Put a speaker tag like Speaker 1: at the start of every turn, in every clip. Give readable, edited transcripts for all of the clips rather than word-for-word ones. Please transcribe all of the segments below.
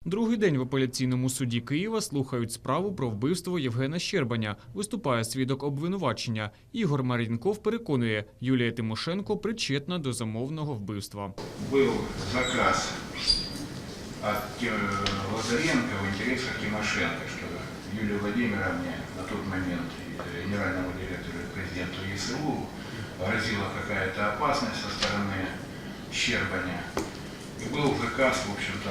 Speaker 1: Другий день в апеляційному суді Києва слухають справу про вбивство Євгена Щербаня. Виступає свідок обвинувачення. Ігор Мар'їнков переконує, Юлія Тимошенко причетна до замовного вбивства.
Speaker 2: Був заказ від Лазаренка в інтересах Тимошенко, що Юлії Владимировне на той момент генеральному директору и президенту ЕСУ грозила какая-то опасность со стороны Щербаня. И был заказ, в общем-то,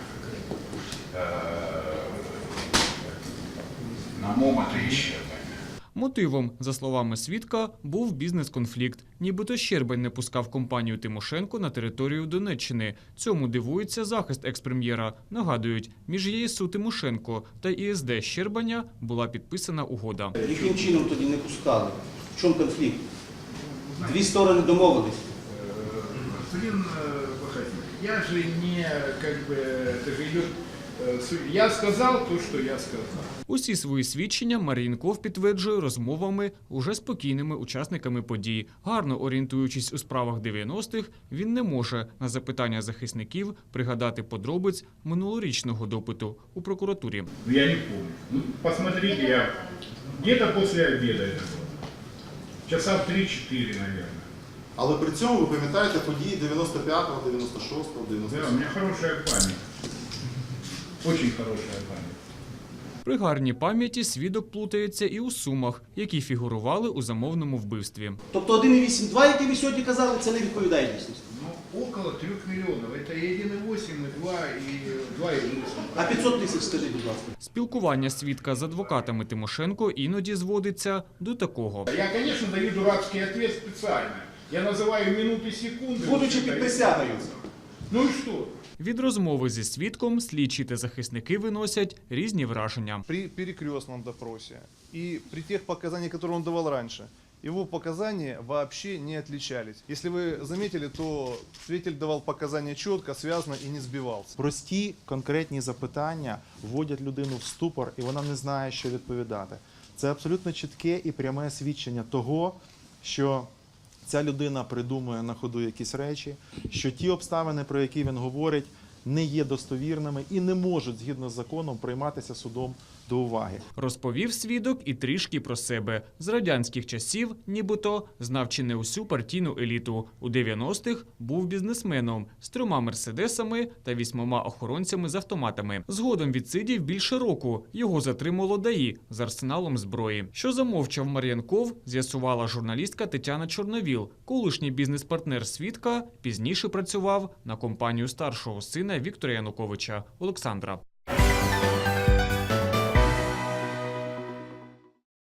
Speaker 2: на момота і Щербаня.
Speaker 1: Мотивом, за словами свідка, був бізнес-конфлікт. Нібито Щербань не пускав компанію Тимошенко на територію Донеччини. Цьому дивується захист екс-прем'єра. Нагадують, між ЄСУ Тимошенко та ІСД Щербаня була підписана угода.
Speaker 3: Яким чином тоді не пускали? В чому конфлікт? Дві сторони домовились.
Speaker 2: Господин Бахатин, я же не, это же идет, я сказал то, что я сказал.
Speaker 1: Усі свої свідчення Мар'їнков підтверджує розмовами уже спокійними учасниками подій. Гарно орієнтуючись у справах 90-х, він не може на запитання захисників пригадати подробиць минулорічного допиту у прокуратурі.
Speaker 2: Я не помню. Посмотрите, я где-то после обеда это было. Часа в 3-4, наверное.
Speaker 4: Але при цьому ви пам'ятаєте події 95-го, 96-го, 97-го?
Speaker 2: Да, у меня хорошая память. Очень хорошая память.
Speaker 1: При гарній пам'яті свідок плутається і у сумах, які фігурували у замовному вбивстві.
Speaker 3: Тобто 1,8-2, які ви сьогодні казали, це не відповідає дійсності.
Speaker 2: Ну, около 3 миллионов. Это и 1,8, и 2, и 2,8.
Speaker 3: А 500 тисяч, скажіть, будь ласка.
Speaker 1: Спілкування свідка з адвокатами Тимошенко іноді зводиться до такого.
Speaker 2: Я, конечно, даю дурацкий ответ специально. Я называю минуты, секунды.
Speaker 3: Будучи під присягою.
Speaker 2: Ну и что?
Speaker 1: Від розмови зі свідком слідчі та захисники виносять різні враження.
Speaker 5: При перекрестном допросе и при тех показаниях, которые он давал раньше, его показания вообще не отличались. Если вы заметили, то свидетель давал показания четко, связно и не сбивался.
Speaker 4: Прості, конкретні запитання вводять людину в ступор, і вона не знає, що відповідати. Це абсолютно чітке і пряме свідчення того, що ця людина придумує на ходу якісь речі, що ті обставини, про які він говорить, не є достовірними і не можуть, згідно з законом, прийматися судом до уваги.
Speaker 1: Розповів свідок і трішки про себе. З радянських часів, нібито, знав чи не усю партійну еліту. У 90-х був бізнесменом з 3 мерседесами та 8 охоронцями з автоматами. Згодом відсидів більше року. Його затримало ДАІ з арсеналом зброї. Що замовчав Мар'їнков, з'ясувала журналістка Тетяна Чорновіл. Колишній бізнес-партнер свідка пізніше працював на компанію старшого сина Віктора Януковича Олександра.